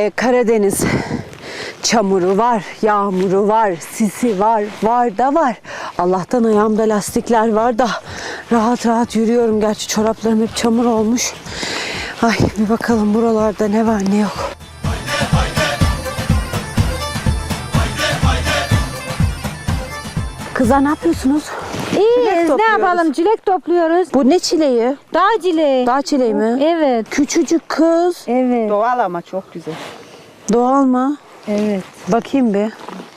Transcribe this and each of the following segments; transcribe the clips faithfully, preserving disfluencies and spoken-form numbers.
Ee, Karadeniz çamuru var, yağmuru var, sisi var, var da var. Allah'tan ayağımda lastikler var da rahat rahat yürüyorum. Gerçi çoraplarım hep çamur olmuş. Ay bir bakalım buralarda ne var ne yok. Kızlar ne yapıyorsunuz? İyiyiz, ne yapalım? Çilek topluyoruz. Bu ne çileği? Dağ çileği. Dağ çileği mi? Evet. Küçücük kız. Evet. Doğal ama çok güzel. Doğal mı? Evet. Bakayım bir.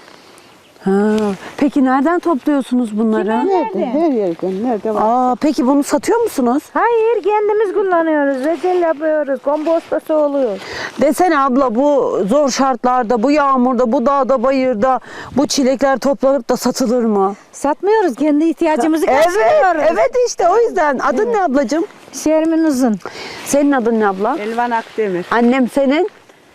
Ha, peki nereden topluyorsunuz bunları? Nerede? Her yerden. Nerede var? Aa, peki bunu satıyor musunuz? Hayır, kendimiz kullanıyoruz. Reçel yapıyoruz. Kompostası oluyor. Desene abla, bu zor şartlarda, bu yağmurda, bu dağda, bayırda bu çilekler toplanıp da satılır mı? Satmıyoruz. Kendi ihtiyacımızı Evet, karşılıyoruz. evet işte o yüzden. Adın ne ablacığım? Şermin Uzun. Senin adın ne abla? Elvan Akdemir. Annem senin?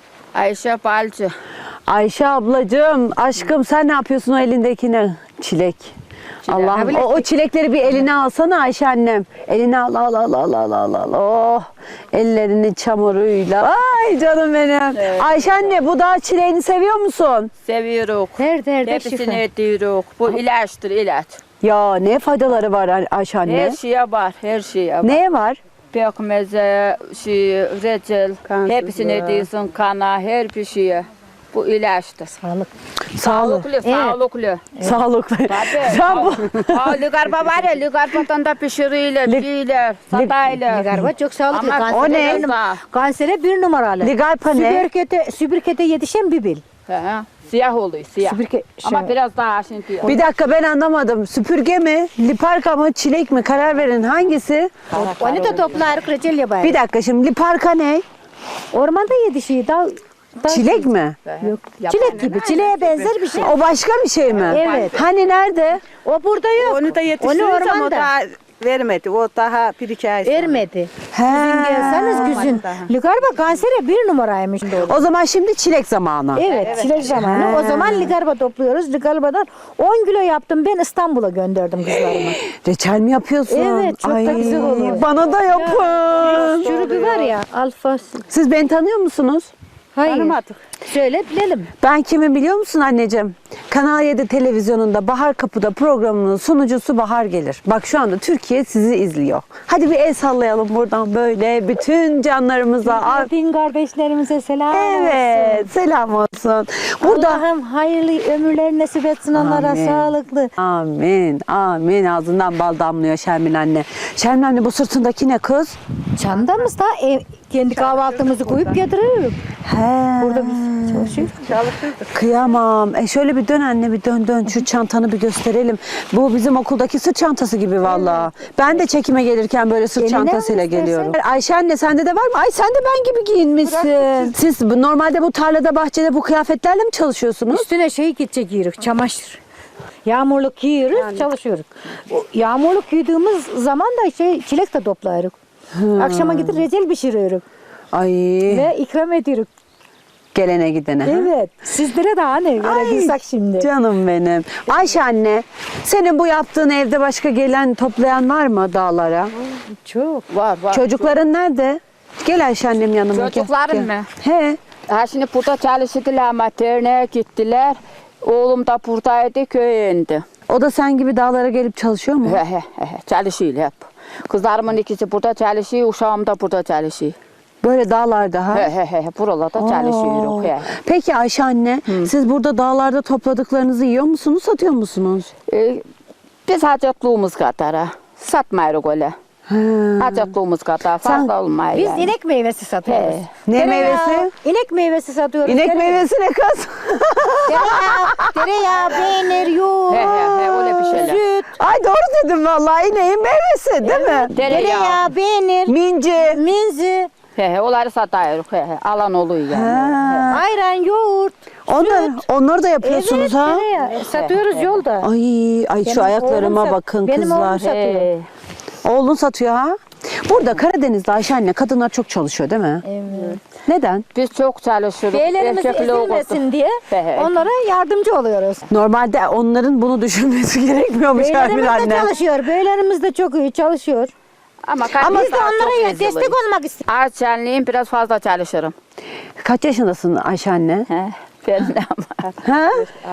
Ayşe Balcı. Ayşe ablacığım, aşkım sen ne yapıyorsun o elindekine? Çilek. Allah'ım o, o çilekleri bir eline alsana Ayşe annem. Eline al al al al al al al. Oh, ellerinin çamuruyla. Ay canım benim. Evet. Ayşe anne, bu dağ çileğini seviyor musun? Seviyoruz. Her derde şifa. Hepsini ediyoruz. Bu ilaçtır, ilaç. Ya ne faydaları var Ayşe anne? Her şeye var, her şeye var. Neye var? Pekmeze, şey, reçel, Kansızlığa. hepsini ediyorsun kana, her bir şeye. Bu ilaçtır. Sağlık. Sağlık. Sağlıklı, sağlıklı. Sağlıklı. Tabii. Sen bu Ha, ligarba var ya, ligarbadan da pişiriyorlar, yiyorlar, sataylar. Ligarba çok sağlıklı. Ama o ne? biraz daha. Kansere bir numaralı. ligarpa ne? Sübürkete, sübürkete yetişen bir bil. He, he. Siyah oluyor, siyah. Süpürge, Ama şey- biraz daha şimdi. Bir dakika, ben anlamadım. Süpürge mi? Liparka mı? Çilek mi? Karar verin, hangisi? Onu da toplarız, reçel yaparız. Bir dakika, şimdi liparka ne? Ormanda yetişiyor. Dağ, dağ Çilek mi? Yok. Çilek gibi. Çileğe benzer bir şey. O başka bir şey mi? Evet. Hani nerede? O burada yok. Onu da yetiştiriyoruz ama o ormanda. daha vermedi. O daha bir iki ay sonra. Vermedi. He. Güzün gelseniz güzün. Ligarba kansere bir numaraymış. O zaman şimdi çilek zamanı. Evet, çilek zamanı. O zaman ligarba topluyoruz. Ligarbadan on kilo yaptım. Ben İstanbul'a gönderdim kızlarıma. Reçel mi yapıyorsun? Evet, çok da güzel oluyor. Bana da yapın. Çürüdü var ya, alfas. Siz beni tanıyor musunuz? Hayır. Tanımadık. Söyle bilelim. Ben kimi biliyor musun anneciğim? Kanal yedi televizyonunda Bahar Kapı'da programının sunucusu Bahar Gelir. Bak şu anda Türkiye sizi izliyor. Hadi bir el sallayalım buradan böyle bütün canlarımıza. Din kardeşlerimize selam olsun. Evet, selam olsun. Burada Allah'ım hayırlı ömürler nasip etsin onlara, Amin. sağlıklı. Amin, amin. Ağzından bal damlıyor Şermin anne. Şermin anne, bu sırtındaki ne kız? Çantamız da ev, kendi kahvaltımızı koyup getiriyoruz. He. Burada biz çalışıyoruz. Çalışırdık. Kıyamam. E şöyle bir dön anne, bir dön dön. Şu çantanı bir gösterelim. Bu bizim okuldaki sırt çantası gibi vallahi. Ben de çekime gelirken böyle sırt Eline çantasıyla al istersen. geliyorum. Ayşe anne, sende de var mı? Ay sen de ben gibi giyinmişsin. Siz bu- normalde bu tarlada, bahçede bu kıyafetlerle mi çalışıyorsunuz? Üstüne şey gidecek giyiyoruz, çamaşır. Yağmurluk giyiyoruz, çalışıyoruz. O yağmurluk giydiğimiz zaman da şey çilek de toplarız. Akşama gidip reçel pişiriyoruz Ay, ve ikram ediyoruz. gelene gidene. ha? Evet. Sizlere de hani verebilsek şimdi. Canım benim. Ayşe anne, senin bu yaptığın evde başka gelen toplayan var mı dağlara? Çok. Var, var. Çocukların nerede? Gel Ayşe annem yanıma. gel, Çocukların gel. mı? He. Ha şimdi burada çalıştılar ama derneğe gittiler. Oğlum da buradaydı, köye indi. O da sen gibi dağlara gelip çalışıyor mu? He he he he, çalışıyor hep. Kızlarımın ikisi burada çalışıyor, uşağım da burada çalışıyor. Böyle dağlarda ha? He he he, buralarda çalışıyoruz. He. Peki Ayşe anne, siz burada dağlarda topladıklarınızı yiyor musunuz, satıyor musunuz? Ee, biz hacatlığımız kadar ha. Satmıyoruz öyle. He. Hacatlığımız kadar fazla olmuyor Biz yani. inek meyvesi satıyoruz. He. Ne Tereyağı, meyvesi? İnek meyvesi satıyoruz. İnek Tereyağı- meyvesi ne kız? Tereyağı, tereyağı, peynir, yoğurt, He he he, öyle bir şeyler. süt, Ay doğru dedim vallahi, ineğin meyvesi değil mi? Tereyağı. tereyağı, peynir, Minci. minzi, He he, onları satıyoruz. He he, alan oluyor yani. Ha. ayran, yoğurt. Onlar, onları da yapıyorsunuz Evet, ha? tereyağı. Satıyoruz yolda. Ay, ay şu Benim ayaklarıma oğlum sat- bakın benim kızlar. oğlum satıyor. He. Oğlun satıyor ha? Burada Karadeniz'de Ayşe anne, kadınlar çok çalışıyor değil mi? Evet. Neden? Biz çok çalışıyoruz. Beylerimiz Erkekli olduk. ezilmesin diye He he. onlara yardımcı oluyoruz. Normalde onların bunu düşünmesi gerekmiyormuş Şermin Beylerimiz de anne. çalışıyor. Beylerimiz de çok iyi çalışıyor. Ama, Ama biz de onlara destek olmak istiyoruz. Ağaççalıyım, biraz fazla çalışırım. Kaç yaşındasın Ayşe anne? He, ben de ama. Ha?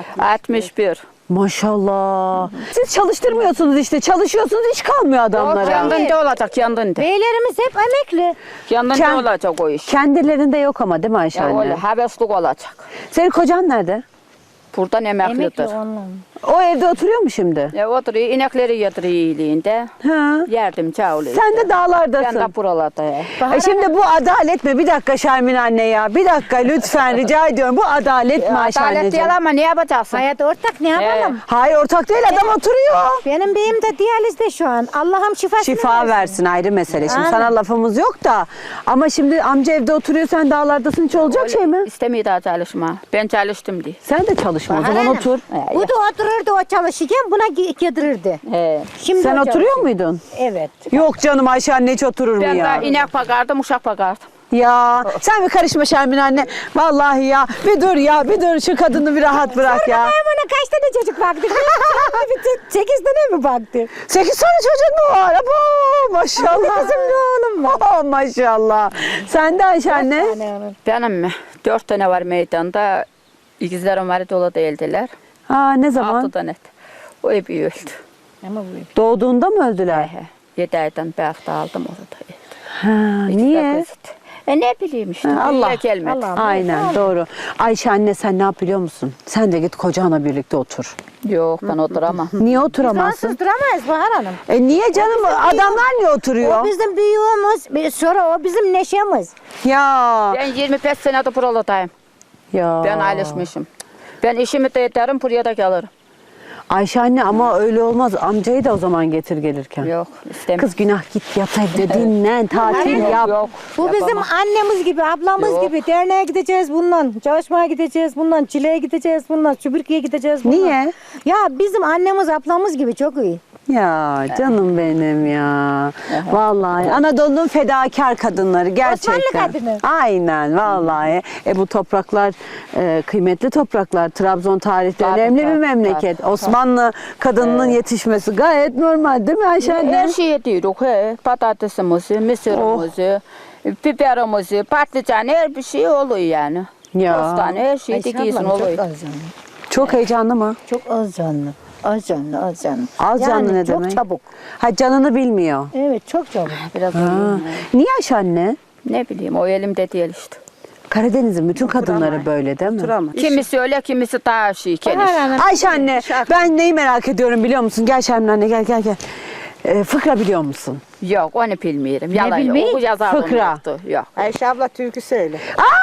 altmış bir. Maşallah. Siz çalıştırmıyorsunuz işte. Çalışıyorsunuz, iş kalmıyor adamlara. Yandında olacak, yandında. Beylerimiz hep emekli. Yandında Kend- olacak o iş. Kendilerinde yok ama değil mi Ayşe Ya anne? öyle heveslik olacak. Senin kocan nerede? Buradan Emekli emeklidir. onunla. O evde oturuyor mu şimdi? Ya oturuyor, inekleri yediriyor iyiliğinde. Ha. Yardımcı oluyor. Sen de Ben dağlardasın. de buralarda ya. E şimdi bu adalet mi? Bir dakika Şermin anne ya. Bir dakika lütfen rica ediyorum. Bu adalet mi Ayşe Adalet anneciğim? değil ama ne yapacaksın? Hayat ortak ne yapalım? Hayır ortak değil, adam oturuyor. Benim beyim de diyalizde şu an. Allah'ım şifasını Şifa versin ayrı mesele. Şimdi Aynen. sana lafımız yok da. Ama şimdi amca evde oturuyor, sen dağlardasın, hiç olacak şey mi? İstemiyor daha çalışma. Ben çalıştım diye. Sen de çalışma o zaman Aynen. otur. Bu da otururdu o çalışırken buna gi- yedirirdi. He. Şimdi Sen o oturuyor çalışıyor. muydun? Evet. Yok canım Ayşe anne hiç oturur mu Ben ya? de inek bakardım, uşak bakardım. Ya sen bir karışma Şermin anne. Vallahi ya bir dur ya bir dur şu kadını bir rahat bırak ya. Ay bana kaç tane çocuk baktı? Bir te- Sekiz tane mi baktı? Sekiz tane çocuğun mu var? Abo, maşallah. Kızım ne oğlum var? Oh, maşallah. Sen de Ayşe anne. Tane onun. Benim mi? Dört tane var meydanda. İkizlerim var dolu değildiler. Ha ne zaman? Altı tane. O hep öldü. Ama bu Doğduğunda mı öldüler? He. Yedi aydan belki aldım onu da. öldü. Ha, İkisi de niye? kızdı. E ne bileyim işte. Ha, Allah. Allah. Gelmedi. Allah'ım. Aynen doğru. Ayşe anne sen ne yap biliyor musun? Sen de git kocanla birlikte otur. Yok ben oturamam. Niye oturamazsın? Fransız duramayız Bahar Hanım. E niye canım? Adamlar niye oturuyor? O bizim büyüğümüz, bir- sonra o bizim neşemiz. Ya. Ben yirmi beş senedir buralardayım. Ya. Ben alışmışım. Ben işimi de ederim, buraya da gelirim. Ayşe anne ama öyle olmaz. Amcayı da o zaman getir gelirken. Yok istemiyorum. Kız günah git yat evde dinlen tatil Yok, yap. yok. Bu bizim Yapamam. annemiz gibi, ablamız Yok. gibi. Derneğe gideceğiz bundan, çalışmaya gideceğiz bundan, çileğe gideceğiz bundan, süpürgeye gideceğiz bundan. Niye? Ya bizim annemiz, ablamız gibi çok iyi. Ya canım benim ya. Vallahi Anadolu'nun fedakar kadınları gerçekten. Osmanlı kadını. Aynen vallahi. E bu topraklar e, kıymetli topraklar. Trabzon tarihte Tabii, önemli bir tabii, memleket. tabii. Osmanlı kadınının yetişmesi gayet normal değil mi Ayşe anne? Her şeyi diyoruz. He. Patatesimizi, mısırımızı, biberimizi, patlıcan her bir şey oluyor yani. Ya. Bostan her şey Ayşe dikiyorsun ablam oluyor. çok az canlı. Çok heyecanlı mı? Çok az canlı. Az canlı, az canlı. Az yani canlı ne çok demek? çabuk. Ha canını bilmiyor. Evet, çok çabuk. Biraz Ha. uyuyayım. Niye Ayşe anne? Ne bileyim o elimde değil işte. Karadeniz'in bütün kadınları böyle değil mi? Oturamaz. Kimisi öyle kimisi daha şey geniş. Bahar Hanım, Ayşe anne ben neyi merak ediyorum biliyor musun? Gel Şermin anne gel gel gel. Ee, fıkra biliyor musun? Yok onu bilmiyorum. Yalan yok. bilmeyi? O yazarım Fıkra. yoktu. Yok. Ayşe abla türkü söyle.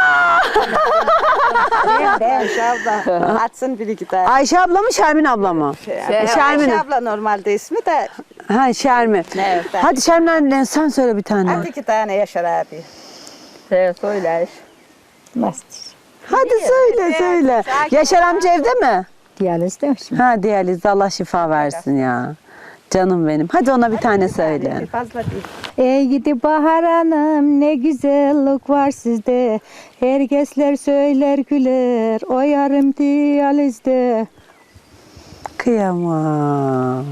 Ayşe abla atsın bir iki tane. Ayşe abla mı Şermin abla mı? Şey, Şermin. Ayşe abla normalde ismi de Ha Şermin. Evet. Hadi Şermin anne sen söyle bir tane. at iki tane Yaşar abi. He söyle. nasıl? Hadi söyle söyle. Yaşar amca evde mi? Diyaliz demiş mi? Ha diyalizde Allah şifa versin ya. Canım benim. Hadi ona bir tane söyle. Fazla değil. Ey gidi Bahar Hanım, ne güzellik var sizde. Herkesler söyler güler, o yarım diyalizde. Kıyamam.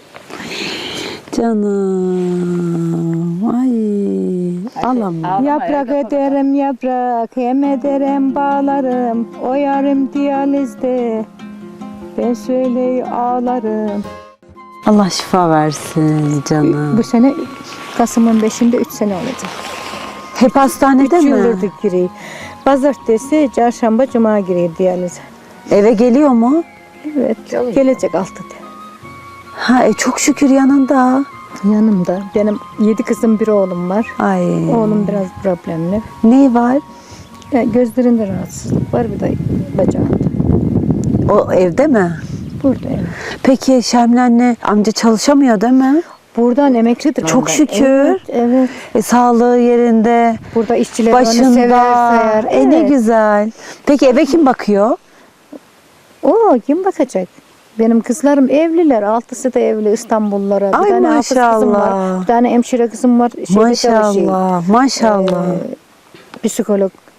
Canım. Ay. Alamam. Ağlama, Yaprak ya, ederim yaprak, hem ederim bağlarım. O yarım diyalizde, ben söyleyi ağlarım. Allah şifa versin canım. Bu sene Kasım'ın beşinde üç sene olacak. Hep hastanede Üç mi? yıldır giriyor. Pazartesi, çarşamba, cuma giriyor diyalize. Eve geliyor mu? Evet, gelecek altıda. Ha e, çok şükür yanında. Yanımda. Benim yedi kızım, bir oğlum var. Ay. Oğlum biraz problemli. Ne var? Ya gözlerinde rahatsızlık var, bir de bacağında. O evde mi? Burada evet. Peki Şermin anne amca çalışamıyor değil mi? Buradan emeklidir. Çok ondan. şükür. Evet, evet. E, sağlığı yerinde. Burada işçiler onu Başında. sever, sayar. E, ne Evet. güzel. Peki eve kim bakıyor? O kim bakacak? Benim kızlarım evliler. Altısı da evli İstanbullulara. Bir Ay tane hafız kızım var. maşallah. Bir tane hemşire kızım var. Şeyde çalışıyor. Maşallah. Maşallah. Ee, psikolog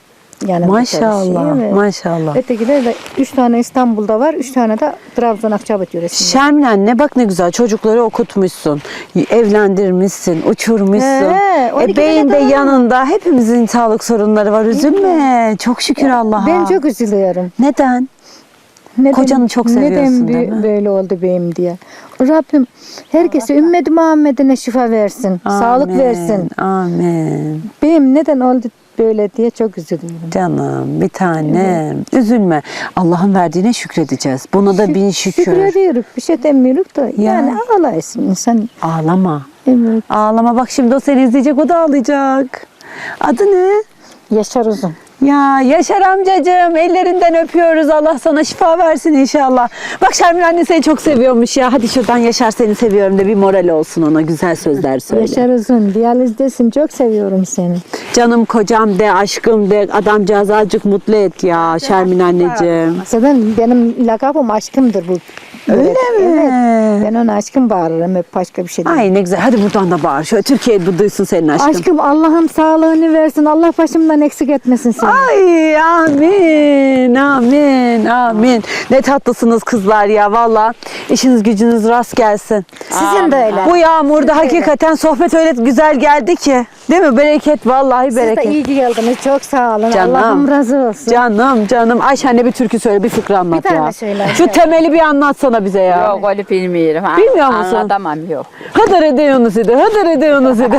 yanında Maşallah, çalışıyor. Evet. maşallah. Ötekiler de üç tane İstanbul'da var, üç tane de Trabzon Akçabat yöresinde. Şermin anne bak ne güzel çocukları okutmuşsun, evlendirmişsin, uçurmuşsun. He, on e, iki beyin de tane daha. yanında, hepimizin sağlık sorunları var, üzülme. Çok şükür Allah'a. Ben çok üzülüyorum. Neden? Neden, Kocanı çok seviyorsun, neden değil mi? böyle oldu benim diye. Rabbim herkese ümmeti Muhammed'ine şifa versin, sağlık Amin, versin. Amin. Benim neden oldu böyle diye çok üzülüyorum. Canım bir tanem. Üzülme. Allah'ın verdiğine şükredeceğiz. Buna da bin şükür. Şükrediyoruz, bir şey demiyoruz da yani ağlaysın insan. Ağlama. Evet. Ağlama bak şimdi o seni izleyecek, o da ağlayacak. Adı ne? Yaşar Uzun. Ya Yaşar amcacığım, ellerinden öpüyoruz. Allah sana şifa versin inşallah. Bak Şermin anne seni çok seviyormuş ya. Hadi şuradan Yaşar seni seviyorum de bir moral olsun ona. Güzel sözler söyle. Yaşar Uzun, diyalizdesin, çok seviyorum seni. Canım kocam de, aşkım de. Adamcağızı azıcık mutlu et ya Şermin anneciğim. Zaten benim lakabım aşkımdır bu. Öyle Evet, mi? Evet. Ben ona aşkım bağırırım, hep başka bir şey değil. Ay ne güzel. Hadi buradan da bağır. Şöyle Türkiye bu duysun senin aşkın. Aşkım Allah'ım sağlığını versin. Allah başımdan eksik etmesin seni. Ay amin, amin, amin. Ne tatlısınız kızlar ya valla. İşiniz gücünüz rast gelsin. Sizin de öyle. Bu yağmurda hakikaten sohbet öyle güzel geldi ki. Değil mi? Bereket vallahi Siz de bereket. iyi ki geldiniz. Çok sağ olun. Canım. Allah'ım razı olsun. Canım canım. Ayşe anne bir türkü söyle, bir fıkra anlat Bir tane ya. söyle. Şu temeli bir anlatsana bize ya. Yok öyle bilmiyorum. Ha. Bilmiyor musun? Anlatamam yok. Hıdır ediyorsunuz idi, hıdır ediyorsunuz idi.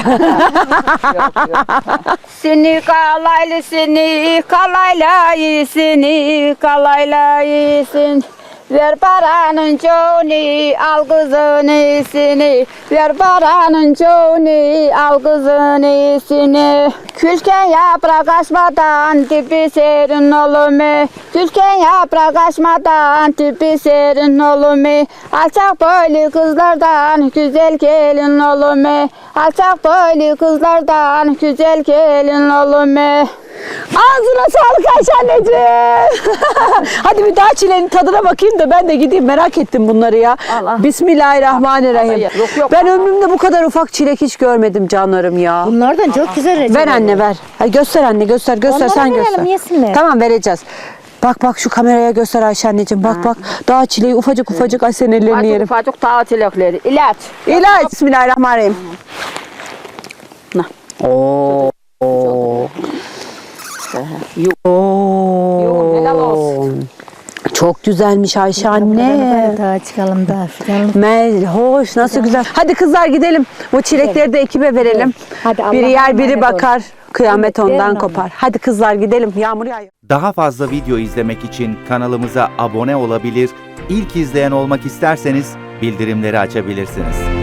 Seni kalaylı seni kalayla seni kalayla yesin. Ver paranın çoğunu al kızın iyisini. Ver paranın çoğunu al kızın iyisini. Külken yaprak açmadan tipi serin olur mu? Külken yaprak açmadan tipi serin olur mu? Alçak boylu kızlardan güzel gelin olur mu? Alçak boylu kızlardan güzel gelin olur mu? Ağzına sağlık Ayşe anneciğim. Hadi bir daha çilenin tadına bakayım da ben de gideyim, merak ettim bunları ya. Allah. Bismillahirrahmanirrahim. Yok, yok. Ben ömrümde bu kadar ufak çilek hiç görmedim canlarım ya. Bunlardan çok güzel reçel. Ver anne ver. Hadi göster anne, göster göster Onlara sen verelim, göster. yesinler. Tamam vereceğiz. Bak bak şu kameraya göster Ayşe anneciğim. Bak bak daha çileği ufacık ufacık, ay senin ellerini Ufacık yerim. ufacık tatilekleri. İlaç. İlaç. Bismillahirrahmanirrahim. Nah. Oo. Oo. Yoğun, helal olsun. Çok güzelmiş Ayşe anne. Hadi daha çıkalım daha. Çıkalım. Mel, hoş, nasıl güzel. Hadi kızlar gidelim. Bu çilekleri de ekibe verelim. Hadi Allah'a biri yer, biri emanet bakar. Kıyamet Evet, verin ondan onu. kopar. Hadi kızlar gidelim. Yağmur yağıyor. Daha fazla video izlemek için kanalımıza abone olabilir, ilk izleyen olmak isterseniz bildirimleri açabilirsiniz.